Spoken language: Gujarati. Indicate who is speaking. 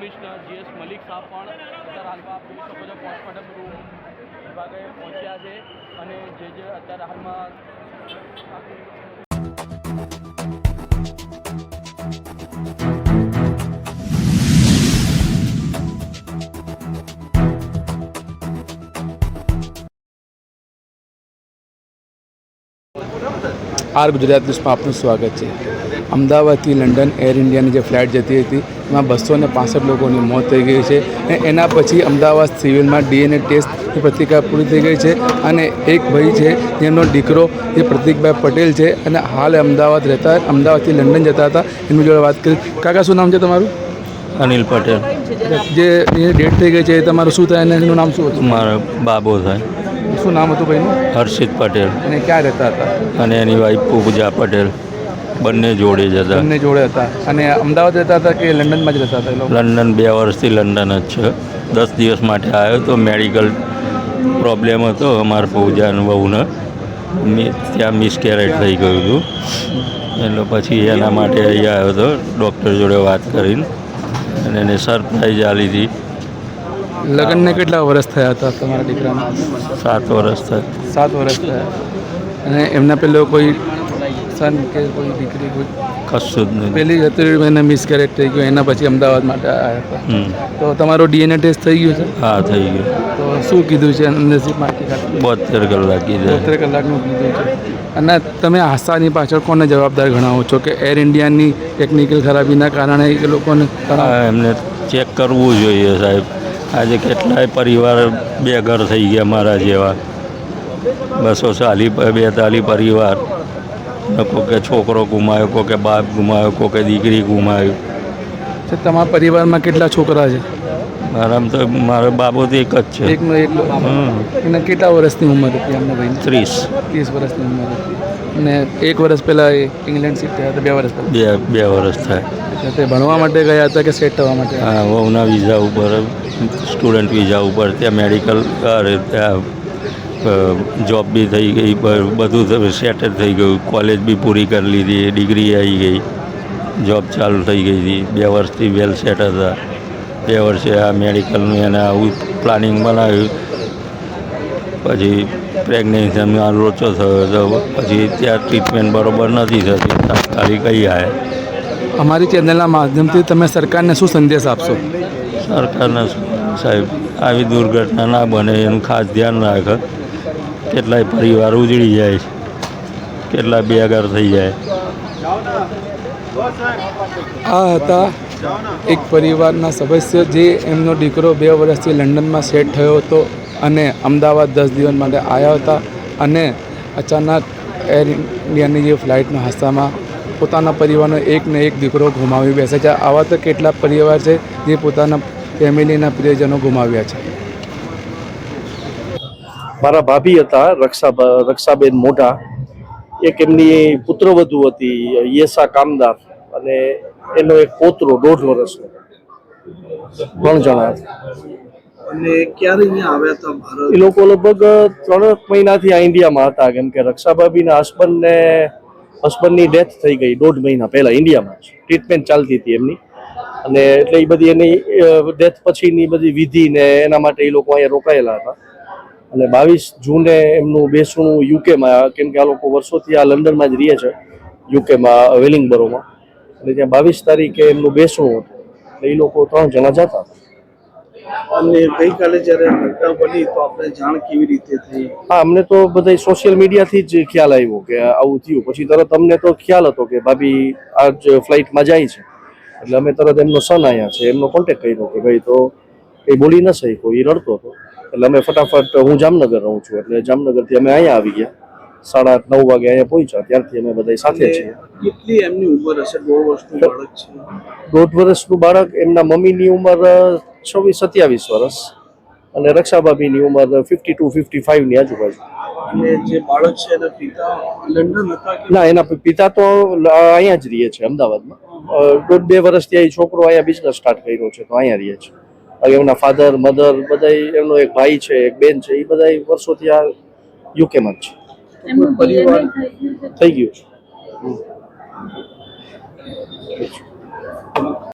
Speaker 1: કમિશનર GS મલિક સાહેબ પણ અત્યારે હાલમાં આપ જોઈ શકો છો પોસ્ટમોર્ટમ રૂમ વિભાગે પહોંચ્યા છે અને જે અત્યારે હાલમાં
Speaker 2: આર ગુજરાત ન્યૂઝમાં આપનું સ્વાગત છે। અમદાવાદથી લંડન એર ઇન્ડિયાની જે ફ્લાઇટ જતી હતી એમાં 265 લોકોની મોત થઈ ગઈ છે અને એના પછી અમદાવાદ સિવિલમાં DNA ટેસ્ટની પ્રતિક્રિયા પૂરી થઈ ગઈ છે અને એક ભાઈ છે જેનો દીકરો જે પ્રતિકભાઈ પટેલ છે અને હાલ અમદાવાદ રહેતા અમદાવાદથી લંડન જતા હતા એમની જોડે વાત કરી। કાકા શું નામ છે તમારું?
Speaker 3: અનિલ પટેલ।
Speaker 2: જે ડેટ થઈ ગઈ છે એ તમારું શું થાય અને એનું નામ શું હતું?
Speaker 3: મારો બાબો થાય।
Speaker 2: શું નામ હતું ભાઈનું?
Speaker 3: હર્ષિત પટેલ
Speaker 2: અને ક્યાં રહેતા હતા?
Speaker 3: અને એની વાઈફ પૂજા પટેલ, બંને જોડે જ હતા।
Speaker 2: બંને જોડે હતા અને અમદાવાદ રહેતા હતા કે લંડનમાં જ રહેતા હતા એ લોકો?
Speaker 3: લંડન 2 વર્ષથી લંડન જ છે। 10 દિવસ માટે આવ્યો તો મેડિકલ પ્રોબ્લેમ હતો અમારા પૂજાના વહુને, ત્યાં મિસકેરેજ થઈ ગયું હતું એટલે પછી એના માટે અહીંયા આવ્યો હતો ડૉક્ટર જોડે વાત કરીને અને એને સરપ્રાઈઝ આપી હતી।
Speaker 2: લગ્નને કેટલા વર્ષ થયા હતા તમારા દીકરાના?
Speaker 3: 7 વર્ષ થયા।
Speaker 2: 7 વર્ષ થયા અને એમના પહેલો કોઈ સન કે કોઈ દીકરી કોઈ?
Speaker 3: કશું જ નહીં।
Speaker 2: પહેલી હતી એને મિસકેરેજ થઈ ગયું એના પછી અમદાવાદ માટે આવ્યા હતા તો તમારો DNA ટેસ્ટ થઈ ગયું છે?
Speaker 3: હા, થઈ ગયું।
Speaker 2: તો શું કીધું છે નસીબમાંથી?
Speaker 3: 72 કલાક કીધું।
Speaker 2: 72 કલાકનું કીધું છે અને તમે આશાની પાછળ કોને જવાબદાર ગણાવો છો કે એર ઇન્ડિયાની ટેકનિકલ ખરાબીના કારણે એ લોકોને?
Speaker 3: એમને ચેક કરવું જોઈએ સાહેબ। આજે કેટલાય પરિવાર બેઘર થઈ ગયા મારા જેવા, 242 પરિવાર, કોકે છોકરો ગુમાવ્યો, કોકે બાપ ગુમાવ્યો, કોકે દીકરી ગુમાવ્યું।
Speaker 2: તમારા પરિવારમાં કેટલા છોકરા છે?
Speaker 3: મારામાં તો મારો બાબો તો એક જ છે।
Speaker 2: એકનો એકલો? એને કેટલા વર્ષની ઉંમર હતી એમના ભાઈ?
Speaker 3: 30
Speaker 2: વર્ષની ઉંમર હતી અને 1 વર્ષ પહેલાં એ ઇંગ્લેન્ડ શિફ્ટ થયા હતા? 2 વર્ષ પહેલાં?
Speaker 3: 2 વર્ષ થાય।
Speaker 2: તે ભણવા માટે ગયા હતા કે સેટ થવા માટે?
Speaker 3: હા, વહુના વિઝા ઉપર, સ્ટુડન્ટ વિઝા ઉપર, ત્યાં મેડિકલ ત્યાં જોબ બી થઈ ગઈ, બધું સેટ જ થઈ ગયું, કોલેજ બી પૂરી કરી લીધી, ડિગ્રી આવી ગઈ, જોબ ચાલુ થઈ ગઈ હતી, 2 વર્ષથી વેલ સેટ હતા। 2 વર્ષે આ મેડિકલનું એને આવું પ્લાનિંગ બનાવ્યું, પછી પ્રેગ્નન્સીમાં લોચો થયો તો પછી ત્યાં ટ્રીટમેન્ટ બરાબર નથી થતી, તાત્કાલિક અહીં આવ્યા।
Speaker 2: અમારી ચેનલના માધ્યમથી તમે સરકારને શું સંદેશ આપશો?
Speaker 3: સરકારને સાહેબ આવી દુર્ઘટના ના બને એનું ખાસ ધ્યાન રાખે। કેટલાય પરિવાર ઉજળી જાય છે, કેટલા બેઘર થઈ જાય।
Speaker 2: આ હતા એક પરિવારના સદસ્ય જે એમનો દીકરો 2 વર્ષથી લંડનમાં સેટ થયો હતો અને અમદાવાદ 10 દિવસ માટે આવ્યા હતા અને અચાનક એર ઇન્ડિયાની જે ફ્લાઇટના હાદસામાં પોતાના પરિવારનો એકને એક દીકરો ગુમાવી બેસે છે। આવા તો કેટલા પરિવાર છે જે પોતાના ફેમિલીના પ્રિયજનો ગુમાવ્યા છે।
Speaker 4: મારા ભાભી હતા રક્ષાબેન મોઢા, એક એમની પુત્રવધુ હતી યેસા કામદાર અને એનો એક પોતરો 1.5 વર્ષનો, 3 જણા હતા।
Speaker 5: અને ક્યારે અહીંયા આવ્યા હતા ભારત?
Speaker 4: એ લોકો લગભગ 3 મહિનાથી આ ઇન્ડિયામાં હતા, કેમ કે રક્ષાભાભીના હસબન્ડની ડેથ થઈ ગઈ 1.5 મહિના પહેલા ઇન્ડિયામાં જ, ટ્રીટમેન્ટ ચાલતી હતી એમની, અને એટલે એ બધી એની ડેથ પછીની બધી વિધિ ને એના માટે એ લોકો અહીંયા રોકાયેલા હતા અને 22 જૂને એમનું બેસણું યુકેમાં, કેમ કે આ લોકો વર્ષોથી આ લંડનમાં જ રહે છે, યુકેમાં વેલિંગબરોમાં, અને ત્યાં 22 તારીખે એમનું બેસણું હતું એટલે એ લોકો 3 જણા જતા હતા।
Speaker 5: અને ગઈકાલે જ્યારે ઘટના બની તો આપણે જાણ કેવી રીતે થઈ?
Speaker 4: હા, અમને તો બધા સોશિયલ મીડિયાથી જ ખ્યાલ આવ્યો કે આવું થયું, પછી તરત અમને તો ખ્યાલ હતો કે ભાભી આજ ફ્લાઇટમાં જાય છે એટલે અમે તરત એમનો સન અહીંયા છે એમનો કોન્ટેક્ટ કર્યો કે ભાઈ તો કંઈ બોલી ન શક્યો, એ રડતો હતો એટલે અમે ફટાફટ, હું જામનગર રહું છું એટલે જામનગરથી અમે અહીંયા આવી ગયા, 8:30-9 વાગે અહીંયા પહોંચ્યા, ત્યારથી અમે બધા સાથે છીએ।
Speaker 5: કેટલી એમની ઉંમર હશે? 1.5 વર્ષનું બાળક છે?
Speaker 4: 1.5 વર્ષનું બાળક, એમના મમ્મીની ઉંમર 26-27 વર્ષ અને રક્ષાભાભીની ઉંમર 52-55 ની આજુબાજુ।
Speaker 5: અને જે બાળક છે એના પિતા લંડન હતા કે?
Speaker 4: ના, એના પિતા તો અહીંયા જ રહે છે અમદાવાદમાં, 1.5-2 વર્ષથી અહીં છોકરો અહીંયા બિઝનેસ સ્ટાર્ટ કર્યો છે તો અહીંયા રહે છે। એમના ફાધર મધર બધા, એમનો એક ભાઈ છે, એક બેન છે, એ બધા વર્ષોથી આ યુકેમાં જ છે।
Speaker 5: પરિવાર
Speaker 4: થઈ ગયું છે।